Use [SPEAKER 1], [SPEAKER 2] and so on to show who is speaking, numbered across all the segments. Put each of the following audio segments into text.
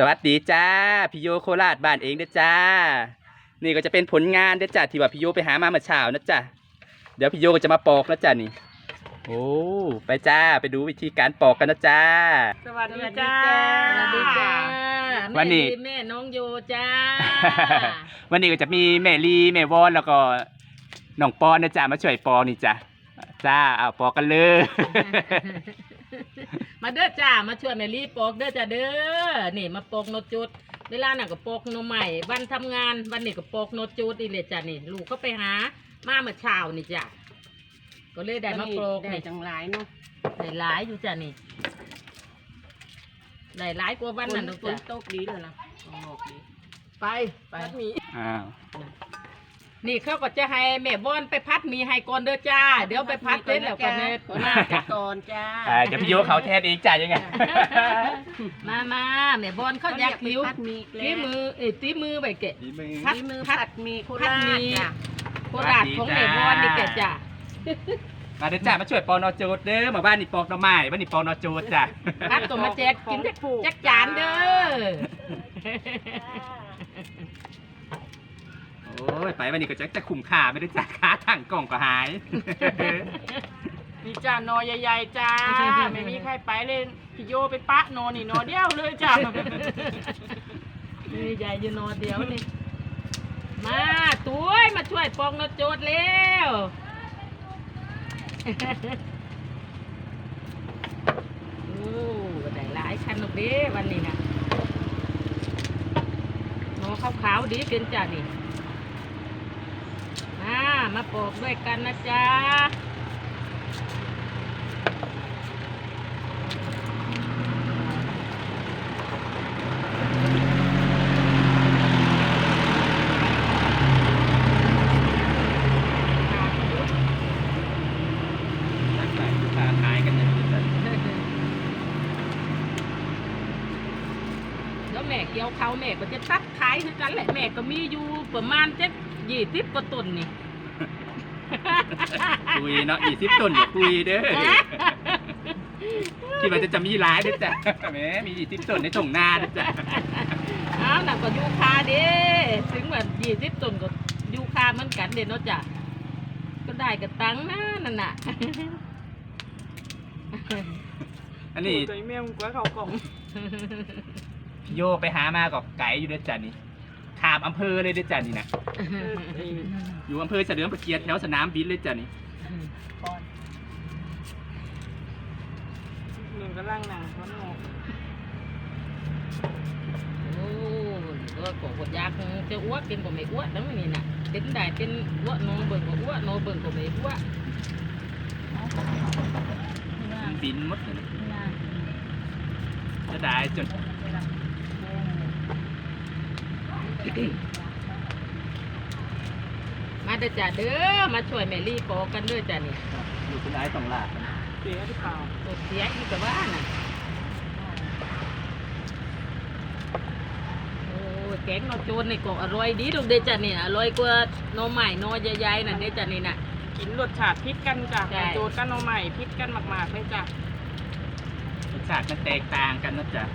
[SPEAKER 1] วัสดีจ้าพี่โยโคราชบ้านเองเด้อจ้านี่ก็จะเป็นผลงานเด้อจ้าที่ว่าพี่โยไปหามาเมื่อเช้านะจ้าเดี๋ยวพี่โยก็จะมาปอกนะจ้านี่โอ้ไปจ้าไปดูวิธีการปอกกันนะจ้า
[SPEAKER 2] สวัสดีจ้า
[SPEAKER 3] สวัสดีจ้า
[SPEAKER 1] วันนี้
[SPEAKER 3] แม่น้องโยจ้า
[SPEAKER 1] วันนี้ก็จะมีแม่ลีแม่วอนแล้วก็น้องปอนนะจ้ามาช่วยปอกนี่จ้าจ้าเอาปอกกันเลย
[SPEAKER 3] มาเด้อจ้ามาช่วยแม่ลีปอกเด้อจ้าเด้อนี่มาปอกโนจุดเวลาน่ะก็ปอกโนใหม่วันทำงานวันนี้ก็ปอกโนจุดอีเลยจ้านี่ลูกเขาไปหามาเมื่อเช้านี่จ้าก็เลยได้มาปอก
[SPEAKER 2] ได้
[SPEAKER 3] นี่
[SPEAKER 2] จังหลายเนาะ
[SPEAKER 3] ได้หลายอยู่จ้านี่ได้หลายกว่าวันนั้น
[SPEAKER 2] ฝ
[SPEAKER 3] จ้าน
[SPEAKER 2] ตกดีเลยนะออกดี
[SPEAKER 3] ไป
[SPEAKER 2] มี
[SPEAKER 1] อ้าว
[SPEAKER 3] นี่เขาก็จะให้แม่บอนไปพัดหมีให้ก่อนเด้อจ้าเดี๋ยวไปพัดเสร็จแล้วก็เนี่ย
[SPEAKER 2] มาจากก่อนจ้า
[SPEAKER 1] เดี๋ยวพี่โยเขาแทนเองจ้ายังไง
[SPEAKER 3] มาแม่บอนเขาอยากหิว
[SPEAKER 2] พัดมี
[SPEAKER 3] ตีมือตีมือไปเกะ
[SPEAKER 1] ดีมือ
[SPEAKER 2] พัดมือผัดมีโคราชจ้ะ
[SPEAKER 3] โคราชของแม่บอนนี่แกะจ้า
[SPEAKER 1] มาเด้อจ้ามาช่วยปอกนอโจดเด้อมาบ้านนี่ปอกหน่อไม้บ้านนี่ปอกนอโจดจ้า
[SPEAKER 3] พัดตัวมาแจกกินจักจานเด้อ
[SPEAKER 1] โอ้ยไปวันนี้ก็จะคุ้มค่าไม่ได้จ้าค้าถังกล่องก็หาย
[SPEAKER 2] มีจ้านอใหญ่ๆจ้าไม่มีใครไปเลยพี่โยเป็นปะนอนี่นอเดียวเลยจ้า
[SPEAKER 3] นี่ใหญ่อยู่นอนเดียวนี่มาตุ้ยมาช่วยปองนโจดเร็วโอ้ได้หลายคันลูกเด้วันนี้นะนอขาวๆดีเป็นจ้านี่มาปอกด้วยกันนะจ๊ะแล้วแม่เกี่ยวเขาแม่ก็จะตัดขายคือกันแหละแม่ก็มีอยู่ประมาณ20 กว่าต้นนี่
[SPEAKER 1] คุยเนาะ20 ต้นอย่าคุยเด้อคิดว่าจะมีหลายเด้อจ้ะแหมมี20 ต้นในทุ่งนาเด้อจ้ะ
[SPEAKER 3] อ้าวน่ะก็ยูคาเด้ถึงแบบ20 ต้นก็ยูคาเหมือนกันเด้เนาะจ้ะก็ได้กับตังค์นะนั่นน่ะ
[SPEAKER 1] อันนี้
[SPEAKER 2] ตัวแม่มึงกว่าเขากล่อง
[SPEAKER 1] พี่โยไปหามากับไก่อยู่เด้อจ้ะนี่ขามอำเภอเลยเด้อจ้ะนี่นะอยู่อำเภอเฉลิมพระเกียรติแถวสนามบินเลยจ้ะนี่
[SPEAKER 2] หนึ่งก็ล่างหนังเขาหนอก
[SPEAKER 3] โอ้ก็กดยากจะอ้วกเป็นก็ไม่อ้วกนั่นนี่น่ะเป็นได้เป็นอ้วกโนเบิ่งก็อ้วกโนเบิ่งก็ไม่อ้วก
[SPEAKER 1] บินหมดเลยจะได้จน
[SPEAKER 3] มาเด้อจ้ะเด้อมาช่วยแม่ลี่ปอกกันเด้อจ้ะนี่
[SPEAKER 1] อยู่ที่ไหนต้องลา
[SPEAKER 2] เสียหรือเปล่า
[SPEAKER 3] ตัวเสียอีกแต่ว่าน่ะโอ้แกงนอโจนนี่ก็อร่อยดีลูกเด้อจ้ะนี่อร่อยกว่าหน่อไม้หน่อใหญ่ๆน่ะเด้อจ้ะนี่น่ะ
[SPEAKER 2] กินรสชาติพิษกันจ้ะ
[SPEAKER 3] ใช่
[SPEAKER 2] โจดกันเอาใหม่พิษกันมากๆเลยจ้ะ
[SPEAKER 1] รสชาติมันแตกต่างกันนะจ๊ะ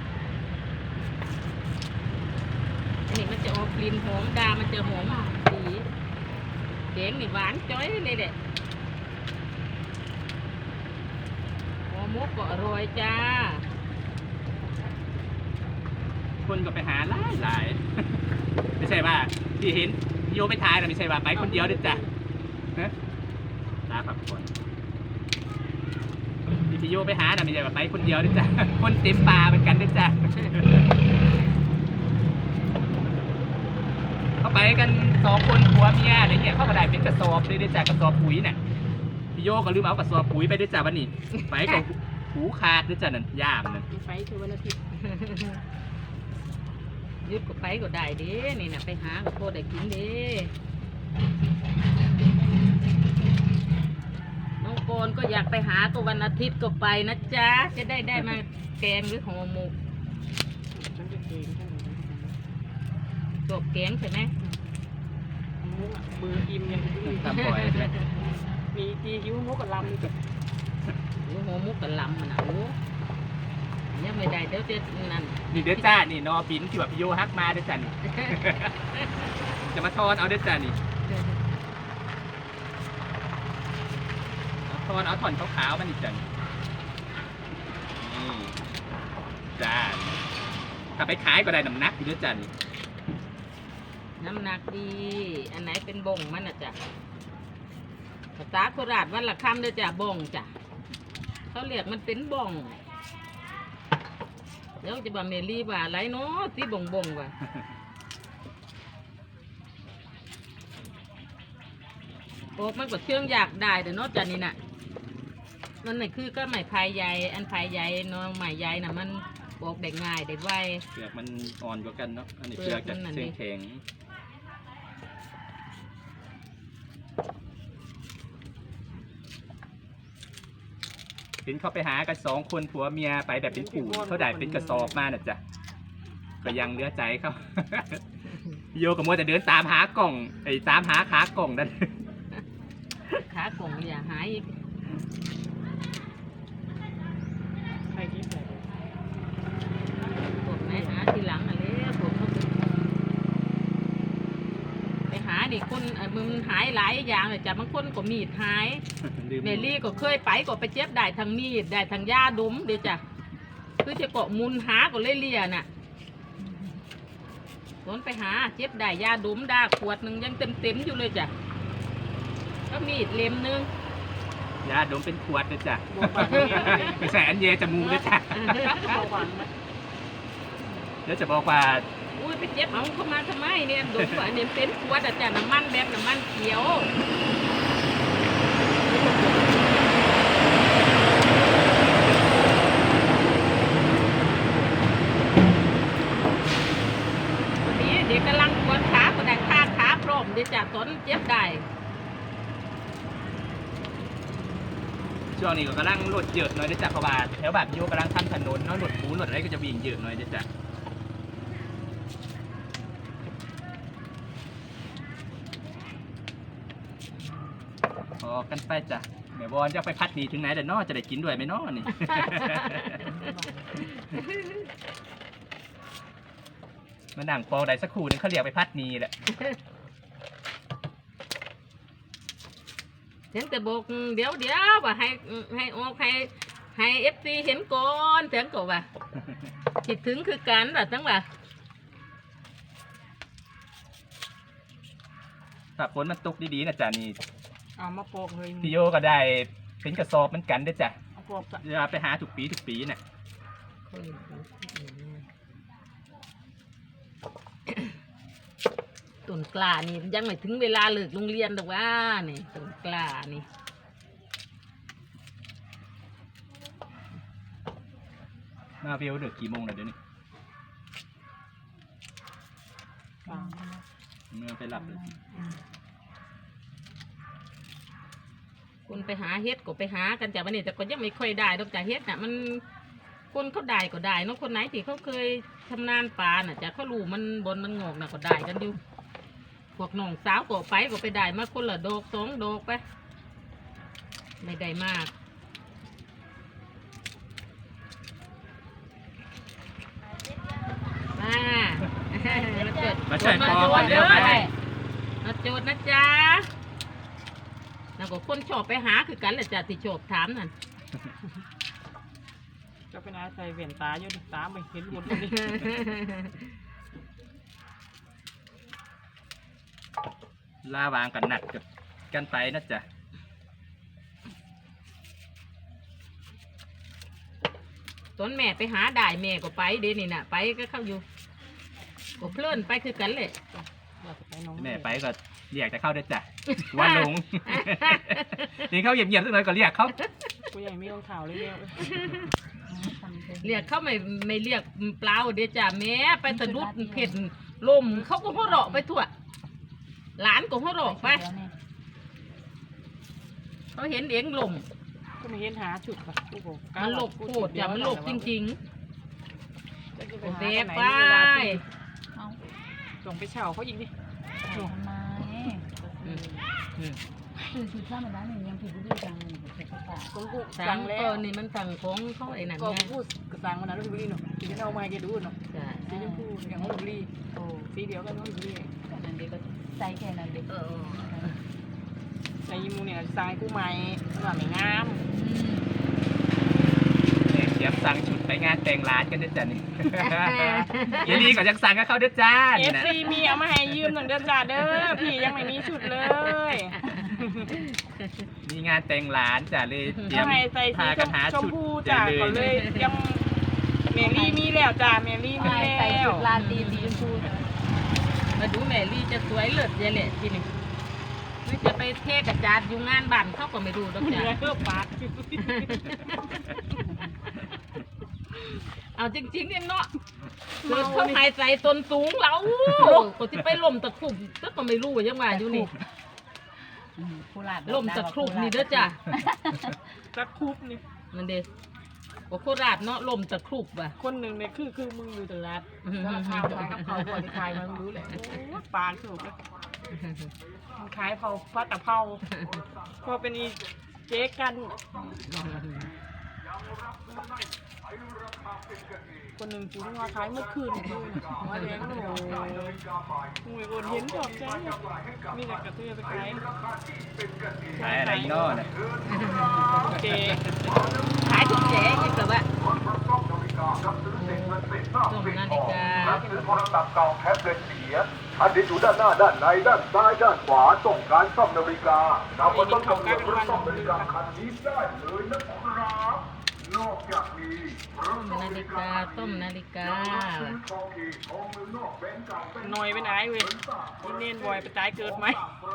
[SPEAKER 3] อันนี้มันจะออกกลิ่นหอมดามันจะหอมสีแกงนี่หวานจ้อยเลยเด็ดหัวมุกก็อร่อยจ้า
[SPEAKER 1] คนก็ไปหาหลาย ไม่ใช่ว่าที่เห็นพี่โยไปทายนะไม่ใช่ว่าไปคนเดียวเด้อจ้ะนะตาพักผ่อนที่พี่โยไปหานะไม่ใช่ว่าไปคนเดียวเด้อจ้ะคนเต็มป่าเหมือนกันเด้อจ้ะ เขาไปกัน2 คนผัวเมียอะไรเงี้ยเขาก็ได้เป็นกระสอบเลยเด้อจ้ะกระสอบปุ๋ยน่ะพี่โยก็ลืมเอากระสอบปุ๋ยไปเด้อจ้ะวันนี้ไปกับหูขาดเด้อจ้ะนั่นย่ามนั่น
[SPEAKER 2] มีไฟคือวันอาทิตย์
[SPEAKER 3] ยึดก็ไปก็ได้เด้นี่นะไปหาก็โคได้กินเด้น้องโกนก็อยากไปหาก็วันอาทิตย์ก็ไปนะจ๊ะจะได้มาแกงหรือห่อหมก
[SPEAKER 2] ฉันจะเก่งฉัน
[SPEAKER 3] จบแกงใช่ไหม
[SPEAKER 2] มุกมืออิ่มยัง
[SPEAKER 1] ตามบ่อยใช่ไหม
[SPEAKER 2] มีทีหิวมุกกับลำจ้ะ
[SPEAKER 3] หรือห่อหมกกับลำมันอ่ะโอ้ยังไม่ได้เดี๋ยวจะนั่น
[SPEAKER 1] นี่เด้อจ้านี่นอบินที่แบบพี่โยฮักมาเด้อจ้านี่ จะมาทอนเอาเด้อจ้านี่เอาทอนเอาถอนขาวๆมันนี่จ้านี่จ้าถ้าไปขายก็ได้น้ำหนักอยู่เด้อจ้านี่
[SPEAKER 3] น้ำหนักดี อันไหนเป็นบ่งมันน่ะจ้ะภาษาโคราชวันละคำเด้อจ้ะบ่งจ้ะเขาเรียกมันเป็นบ่งเดี๋ยวจะบอกเมลี่ว่าอะไรเนาะที่บ่งว่ะโอ้มันก็เชื่องอยากได้เดี๋ยวเนาะจ้ะนี่น่ะนั่นน่ะคือก็ไม้พายใหญ่อันพายใหญ่เนาะไม้ใหญ่น่ะมันปอกได้ง่ายได้ไว
[SPEAKER 1] เปลือกมันอ่อนกว่ากันเนาะอันนี้เปลือกจะแข็งเห็นเขาไปหากัน2 คนผัวเมียไปแบบเป็นปู่เขาได้เป็นกระสอบมาน่ะจ้ะก็ยังเหลือใจเขา โยกับมัวแต่เดินตามหากล่องตามหาขากล่องนั่น
[SPEAKER 3] ขากล่องอย่าหายอีก
[SPEAKER 2] ใครคิดแบบ
[SPEAKER 3] พวกไหนหาทีหลังอะไรพวกเขาไปหาดิคนมันหายหลายอย่างเลยจ้ะบางคนก็มีดหาย เมลี่ก็เคยไปก็ไปเจ็บได้ทางมีดได้ทางยาดมเดี๋ยวจ้ะคือจะเกาะมุนหาก็เลยเลียน่ะสนไปหาเจ็บได้ยาดมได้ขวดหนึ่งยังเต็มอยู่เลยจ้ะก็มีดเล่มหนึง
[SPEAKER 1] ยาดมเป็นขวดนะจ๊ะ
[SPEAKER 2] บวกแบบนี้
[SPEAKER 1] ไม่ใส่อันเยจมูกนะจ๊ะ
[SPEAKER 2] บวกหวังนะ
[SPEAKER 1] แล้วจะบอกว่า
[SPEAKER 3] อุ้ยไปเจ็บเอาเข้ามาทำไมเนี่ยดมว่าเนี่ยเป็นขวดอะจ้ะน้ำมันแบบน้ำมันเขียววันนี้เด็กกำลังปวดขาก็ได้ขาพร้อมเดี๋ยวจ้ะตอนเจ็บได้
[SPEAKER 1] ช่วงนี้ก็กำลังรถเยอะหน่อยนะจ๊ะเพราะว่าแถวแบบโยกำลังทำถนนเนาะรถปูนรถอะไรก็จะวิ่งเยอะหน่อยนะจ๊ะพอกันไปจ้ะแม่บอลจะไปพัดหนีถึงไหนแต่นอจะได้กินด้วยไหมนอนี่ มานั่งปองได้สักครู่นึงเขาเรียกไปพัดหนีแหละ
[SPEAKER 3] เห็นแต่บอกเดี๋ยวว่าให้ออกให้เอฟซีเห็นก่อนเสียงก็ว่าคิดถึงคือกันว่าทั้งว่า
[SPEAKER 1] ถ้าฝนมันตกดีๆนะจ๊ะนี่
[SPEAKER 2] เอามาโปกเลย
[SPEAKER 1] พี่โยก็ได้เป็นกระสอบเหมือนกันเด้อจ้ะ
[SPEAKER 2] เอาโปกจ้ะ
[SPEAKER 1] เวลาไปหาทุกปีน่ะ
[SPEAKER 3] ต้นกล้านี่ยังไม่ถึงเวลาเลิกโรงเรียนหรอกว่านี่ต้นกล้านี่
[SPEAKER 1] มาเวลเดือกี่โมงแล้วเดี๋ยวนี้
[SPEAKER 2] ฟัง
[SPEAKER 1] เมื่อไปหลับเลย
[SPEAKER 3] คนไปหาเฮ็ดก็ไปหากันจ้ะวันนี้แต่ก็ยังไม่ค่อยได้ดอกจ้ะเฮ็ดน่ะมันคนเขาได้ก็ได้เนาะคนไหนที่เขาเคยชำนาญปลาน่ะจ้ะเขารู้มันบนมันงอกน่ะก็ได้กันอยู่พวกน้องสาวก็ไปได้มาคนละดอก2 ดอกไปไม่ได้มาก
[SPEAKER 1] มาช่วยปอกกันเร็วไป
[SPEAKER 3] มาโจทย์นะจ๊ะแล้วก็คนชอบไปหาคือกันแหละจ้ะที่ชอบถามนั่น
[SPEAKER 2] จะเป็นอะไรใส่เวียนตาอยู่ดิตาไม่เห็นบนนี้
[SPEAKER 1] ล่าวางกันหนักกับกันไปนะจ๊ะ
[SPEAKER 3] ตอนแม่ไปหาได้แม่ก็ไปเดี๋ยวนี้น่ะไปก็เข้าอยู่ก็เพลินไปคือกันเลย
[SPEAKER 1] แม่ไปก็เรียกแต่เข้าเด้อจ้ะว่าหลง นี่เขาเงียบๆสักหน่อยก็เรียกเขา
[SPEAKER 2] กูยังไม่ต้องข่าวเลยเนี่ย
[SPEAKER 3] เรียกเขาไม่เรียกเปล่าเดี๋ยวจ้ะแม่ไปสะดุดเผ็ดลมเขาก็หัวเราะไปทั่วหลานก็หัวเราะไปเขาเห็นเองลม
[SPEAKER 2] ก็ไม่เห็นหาจุดป่ะกูบอก
[SPEAKER 3] มันหลบโคตรจ้ะมันหลบจริงๆโอเคไป
[SPEAKER 2] ส่งไปเช่าเขาอีกดิ
[SPEAKER 4] ทำไม
[SPEAKER 3] อืม
[SPEAKER 4] คือชุดธรรมดาเนี่ยยังผิดบุรีจังเลยค่ะ
[SPEAKER 2] คนผู้
[SPEAKER 3] สั่
[SPEAKER 2] สั่
[SPEAKER 3] ง
[SPEAKER 2] ง
[SPEAKER 3] แล้
[SPEAKER 2] แล้ว ว
[SPEAKER 3] นี่มันสั่งของเขาไอ้นั่น
[SPEAKER 2] ก็
[SPEAKER 3] ไง
[SPEAKER 2] ผู้สั่งมาแล้วพี่บุรีเนาะที่เอามาให้แกดูเนาะ
[SPEAKER 3] ใช่
[SPEAKER 2] สีชมพูอย่างของพี่บุรี
[SPEAKER 4] โอ้
[SPEAKER 2] สีเดียวกันของพี่บุรี
[SPEAKER 4] แต่นั้นเด็กก็ใจแค่นั้นเด็ก
[SPEAKER 2] ในยิมูเนี่ยสั่งให้ผู้ใหม่ว่าไม่งาม
[SPEAKER 1] เตรียมสั่งชุดไปงานแต่งร้านกันด้วยจ้ะนี่ เยลีก็ยังสั่งกับเขาด้วยจ้า
[SPEAKER 2] เอ
[SPEAKER 1] นี่
[SPEAKER 2] ฟ
[SPEAKER 1] นะ
[SPEAKER 2] ซีมีเอามาให้ยืมหนึ่งเดือนจ่าเด้อพี่ยังไม่มีชุดเลย
[SPEAKER 1] มีงานแต่งร้านจ้ะเลยเตรีย
[SPEAKER 2] เขา
[SPEAKER 1] ม
[SPEAKER 2] ให้ใส่สี
[SPEAKER 1] พากันหา
[SPEAKER 2] ชม
[SPEAKER 1] ชุด
[SPEAKER 2] พูจ่า
[SPEAKER 1] เล
[SPEAKER 2] ก็เลยยังเมลี่มีแล้วจ้าเมลี่มี
[SPEAKER 4] ใส่
[SPEAKER 2] แล้
[SPEAKER 4] ชุ
[SPEAKER 2] ว
[SPEAKER 4] ดลาตีสีชมพู
[SPEAKER 3] มาดูแม่ลี่จะสวยเลิศเยแหละทีนี้ไม่จะไปเทกระจาดอยู่งานบ้านเขาก็ไม่รู้ดอก
[SPEAKER 2] เห
[SPEAKER 3] จ้ะ
[SPEAKER 2] ลือเพื่อปาด
[SPEAKER 3] เอาจริงๆเนี่ยเนาะเกิดเขาหายใจตนสูงแล้วก็ที่ไปล่มตะคุบก็ไม่รู้ยังว่าอยู่นี่
[SPEAKER 4] โคราช
[SPEAKER 3] ล่มตะครุบนี่เด้อจ้ะ
[SPEAKER 2] จะคุบนี่
[SPEAKER 3] นั่นเด้โอ้โคราชเนาะล่มตะครุบว่ะ
[SPEAKER 2] คนหนึ่งเนี่ยคือมึงอยู่ตลาดสารคามขายกับเขาคนที่ขายมันรู้แหละปานถูกเลยมันขายเผาพัดตะเผาพอเป็นอีเจ๊กัน คนหนึ่งจูงมาขายเมื่อคืนหัวแดงโอ้โหมวยคนเห็นชอบใจมีแต่กระเทือไปขาย
[SPEAKER 1] ขายอะไรนอกนะ
[SPEAKER 2] เจ๊
[SPEAKER 3] ขายทุกแจกอีกแล้วว่าส้มนาฬิกา
[SPEAKER 5] รับซื้อโทรศัพท์เก่าแท็บเล็ตเสียอันนี้อยู่ด้านหน้าด้านในด้านซ้ายด้านขวาต้องการซ่อมนาฬิกานำมาต้องกำหนดเพื่อซ่อมนาฬิกาคันนี้ได้เลยนะครับนอกจากนี้
[SPEAKER 3] ต้มนาฬิกาต้มนาฬิกา
[SPEAKER 5] ซื้อทองอีกทองมือนอกแบงก์เก่าเป็น
[SPEAKER 2] หน่อยไปไหนเว้ยนี่เน้นบ่อยไปตายเกิดไหม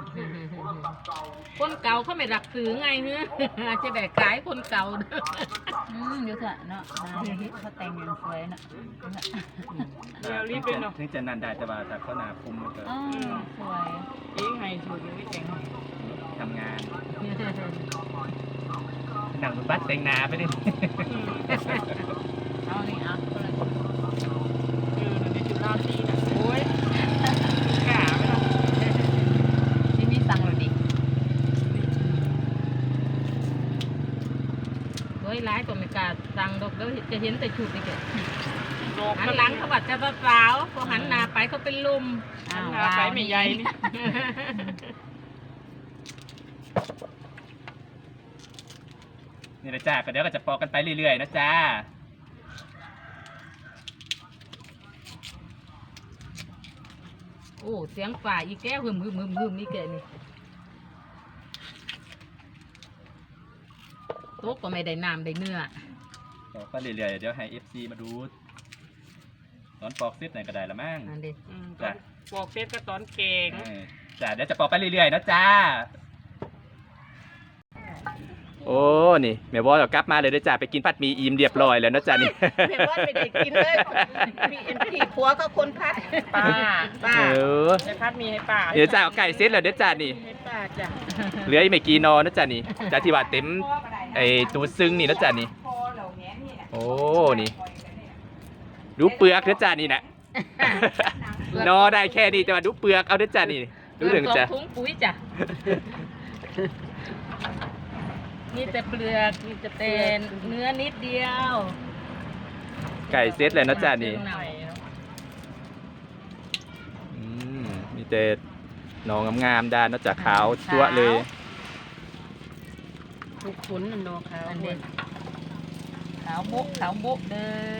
[SPEAKER 3] คนเก่าเขาไม่รักซื้อไงเฮ้ยจะได้ขายคนเก่าเด้อ
[SPEAKER 4] เดี๋ยวเถอะเนาะเขาแต่งอย่างสวยเนาะ
[SPEAKER 2] เดี๋ยวรีบเป็นเนาะ
[SPEAKER 1] ถึงจะนันได้แต่ว่าถ้าเขาหนาคุมมันก็
[SPEAKER 4] อ๋อสวย
[SPEAKER 2] เองให้สูตรยังไม่แต่ง
[SPEAKER 1] ทำงานหนังบนบัตรแต่งหนาไปดิ
[SPEAKER 4] เอานี่เอาคนละ
[SPEAKER 2] ในจุฬาซีนะโอ้ยกล้าไหมล่ะ
[SPEAKER 4] ที่นี่สั่งเราดิ
[SPEAKER 3] โอ้ยร้ายก็ไม่กล้าสั่งดอกเดี๋ยวจะเห็นแต่ชุดนี่แก
[SPEAKER 2] ดอก
[SPEAKER 3] หันหลังเขาบัดจะสาวพอหันหน้าไปเขาเป็นลุม
[SPEAKER 4] อ้าว
[SPEAKER 2] หาไปไม่ใหญ่นี่
[SPEAKER 1] นี่นะจ้าก็เดี๋ยวก็จะปอกกันไปเรื่อยๆนะจ้า
[SPEAKER 3] โอ้เสียงฝ่าอีแก้วหึมนี่แกนี่โต๊ะก็ไม่ได้น้ำได้เนื้อ
[SPEAKER 1] ปอกไปเรื่อยๆเดี๋ยวให้ FC มาดูตอนปอกเสร็จไหนก็ได้ละมั้ง
[SPEAKER 3] นั่นเด็
[SPEAKER 2] ตอนบอกเฟซก็ตอนเก่ง
[SPEAKER 1] จ้าเดี๋ยวจะปอกไปเรื่อยๆนะจ้า โอ้ นี่แม่บอสกลับมาเลยนะจ้าไปกินผัดหมี่อิ่มเรียบร้อยแล้วนะจ้านี่
[SPEAKER 3] แม่ว่าไม่ได้กินเลยพี่ผัวเขาคนพัด
[SPEAKER 2] ป้า
[SPEAKER 3] ป้า
[SPEAKER 1] เออ
[SPEAKER 2] จะพัดมีให้ป้า
[SPEAKER 1] เดี๋ยวจ้าเอาไก่เซตแล้วเดี๋ยวจ้านี่
[SPEAKER 2] ให้ป้าจ้ะ
[SPEAKER 1] เหลืออีกไม่กี่นอนะจ้านี่จ้าที่ว่าเต็มไอ้ตัวซึ้งนี่นะจ้านี่ โอ้ นี่ ดูเปลือกนะจ้านี่นะ นอได้แค่นี้แต่ว่าดูเปลือกเอานะจ้านี่ดูเรื่องจ้า
[SPEAKER 3] ถุงปุ๋ยจ้ะมีแต่เปลือกมีแต่เป็นเนื้อนิดเดียว
[SPEAKER 1] ไก่เซตเลยนะจ้านี่
[SPEAKER 3] หน่อย
[SPEAKER 1] อืมมีแต่หนองงามๆด้านนอกจากขาวจั๊วะเลย
[SPEAKER 2] ทุกขุนมันโดนเขา
[SPEAKER 3] อันเด็ด
[SPEAKER 4] ขาวโบ๊ะเลย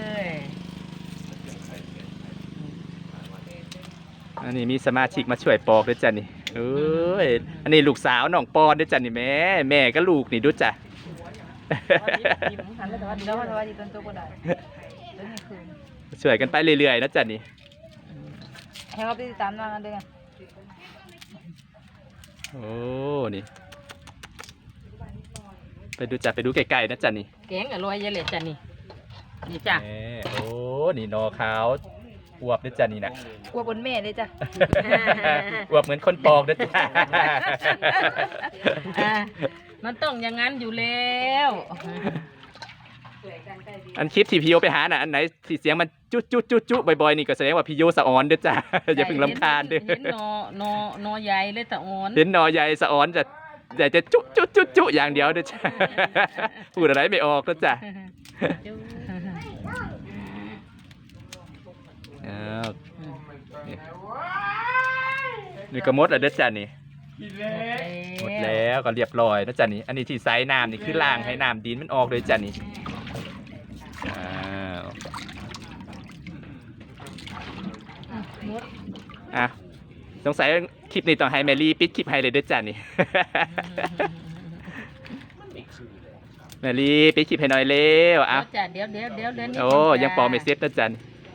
[SPEAKER 1] อันนี้มีสมาชิกมาช่วยปอกด้วยจ้ะนี่เอ้ยอันนี้ลูกสาวน้องปอนด้วยจ้ะนี่แม่ก็ลูกนี่ด้วยจ้ะ
[SPEAKER 4] หันแล้วแต่ว่าดีแล้วแต่ว่าดีต้นตัวก็ได้ต้นนี้คืน
[SPEAKER 1] ช่วยกันไปเรื่อยๆนะจ้ะนี่
[SPEAKER 4] ให้เขาไปติดตามงานด้วยกัน
[SPEAKER 1] โอ้นี่ไปดูจ้ะไปดูไกลๆนะจ้ะนี่
[SPEAKER 3] แกงอร่อยเยอะเลยจ้ะนี่นี่จ้ะ
[SPEAKER 1] แหมโอ้นี่นอขาวอวบด้วยจ้ะนี่นะ
[SPEAKER 4] กลัวบนแม่เลยจ้ะ
[SPEAKER 1] อวบเหมือนคนปอกด้วยจ้ะ
[SPEAKER 3] อ่ามันต้องอย่างนั้นอยู่แล้ว
[SPEAKER 1] อันคลิปที่พี่โยไปหาน่ะอันไหนที่เสียงมันจุ๊บ่อยๆนี่ก็แสดงว่าพี่โยสะออนด้วยจ้ะ อย่าเพิ่งรำคาญเด้อ
[SPEAKER 3] เห็นนอใหญ่เลยแต่อ่อน
[SPEAKER 1] เห็นนอใหญ่สะออนจะแต่จะจุจุจุจุอย่างเดียวเด้อจ้า พูดอะไรไม่ออกแล้วจ้ะอ้าวนี่ก็หมดแล้วเด้อจ้ะนี่หมดแล้วก็เรียบร้อยแล้วจ้ะนี่อันนี้ที่ไซส์น้ำนี่คือล้างให้น้ำดินมันออกเลยจ้ะนี่อ้าวอ่ะสงสัยคลิปนี้ต้องให้แมรี่ปิดคลิปให้เลยเด้อจ้ะนี่ แมรี่ปิดคลิปให้หน่อยเร็วอ่ะ
[SPEAKER 3] เดี๋ยวนิดนึง
[SPEAKER 1] โอ้ยังปอไม่เซ็ตนะจัน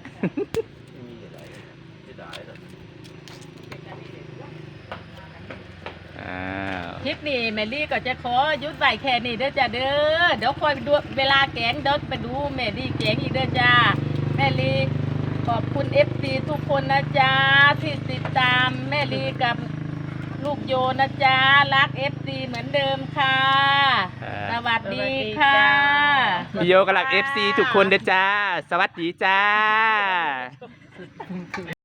[SPEAKER 1] อ้าว
[SPEAKER 3] คลิปนี้แมรี่ก็จะขอยุดไว้แค่นี้เด้อจ้ะเด้อเดี๋ยวคอยไปดูเวลาแกงเด้อไปดูแมรี่แกงอีกเด้อจ้าแมรี่ขอบคุณ FC ทุกคนนะจ๊ะที่ติดตามแมรี่กับลูกโยนะจ๊ะรัก FC เหมือนเดิมค่ะ สวัสดีค่ะ
[SPEAKER 1] พี่โยกำลัง FC ทุกคนเด้อจ้า สวัสดีจ้า